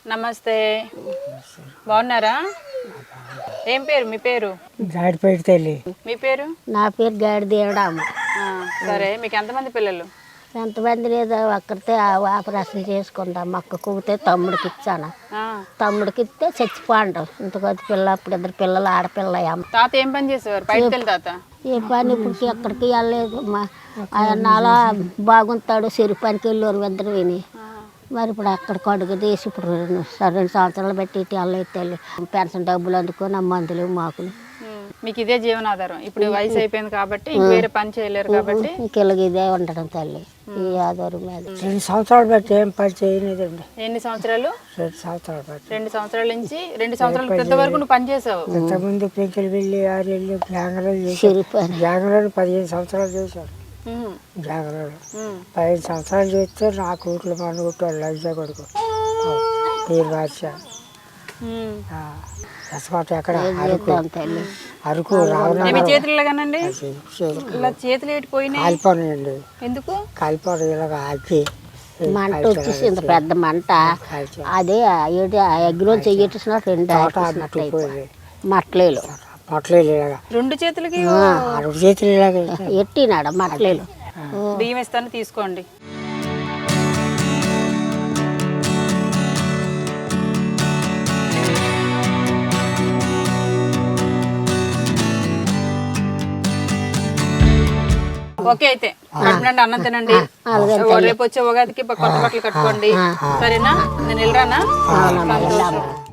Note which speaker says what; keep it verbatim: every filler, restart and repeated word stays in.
Speaker 1: నమస్తే, బాగున్నారా? ఏం పేరు మీ పేరు?
Speaker 2: గాడిపేట తల్లి.
Speaker 1: మీ పేరు?
Speaker 3: నా పేరు గాడి దేవడాము.
Speaker 1: సరే, మీకు ఎంతమంది పిల్లలు?
Speaker 3: ఎంతమంది లేదు, ఒక్కరితే ఆపరేషన్ చేసుకుంటాం. అక్క కూతే తమ్ముడికి ఇచ్చాను. తమ్ముడికి ఇస్తే చచ్చిపోండు. ఇంతకొద్ది పిల్ల అప్పుడు ఇద్దరు పిల్లలు ఆడపిల్ల.
Speaker 1: తాత ఏం పని చేసేవారు? పైకి తాత
Speaker 3: ఏ పని ఇప్పుడు ఎక్కడికి వెళ్ళలేదు. మా ఆయన అలా బాగుంటాడు, చెరు పనికి వెళ్ళారు ఇద్దరు విని. మరి ఇప్పుడు అక్కడికి అడుగు తీసి ఇప్పుడు రెండు రెండు సంవత్సరాలు పెట్టి ఇటు వెళ్ళలేదు తల్లి. పెన్షన్ డబ్బులు అందుకొని ఆ మందులు మాకులు.
Speaker 1: మీకు ఇదే జీవనాధారం. ఇప్పుడు వయసు అయిపోయింది కాబట్టి వేరే పని చేయలేరు కాబట్టి
Speaker 3: ఇంకెళ్ళకి ఇదే ఉండడం తల్లి, ఈ ఆధారం మీద.
Speaker 2: రెండు సంవత్సరాలు బట్టి ఏం పని చేయలేదండి.
Speaker 1: ఎన్ని సంవత్సరాలు?
Speaker 2: రెండు సంవత్సరాలు బట్టి.
Speaker 1: రెండు సంవత్సరాల నుంచి రెండు సంవత్సరాల క్రితం వరకు నువ్వు పని చేసావు.
Speaker 2: ఇంతకుముందు పెంకులు వెళ్ళి ఆరు వెళ్ళి బ్యాంగ్లూరు చేశారు. బ్యాంగ్లూరు పదిహేను సంవత్సరాలు చేశారు. బ్యాంగ్లూరు పదిహేను సంవత్సరాలు చేస్తే నా కూతురు మన కొట్టారు. లైజా కొడుకు పేరు బాద్షా. ఎక్కడ అరకు అరకు
Speaker 1: మీ చేతుల్లో కానండి ఇలా చేతులు ఏటిపోయినాయి.
Speaker 2: కాలిపోనాయండి.
Speaker 1: ఎందుకు
Speaker 2: కాలిపోవడం ఇలాగ ఆకి
Speaker 3: మంట వచ్చేసింది, పెద్ద మంట. అదే ఏడు అగ్గిలో చెయ్యేసిన రెండు మట్లేలు
Speaker 2: మట్లేదు ఇలాగా
Speaker 1: రెండు చేతులకి
Speaker 2: రెండు చేతులు ఇలాగ
Speaker 3: ఎట్టినాడ మట్లేలు.
Speaker 1: బియ్యం ఇస్తాను తీసుకోండి. ఓకే, అయితే కడుపునండి అన్నం తినండి. రేపు వచ్చే ఉగాదికి కొత్త బట్టలు కట్టుకోండి. సరేనా? నేను వెళ్ళరానా?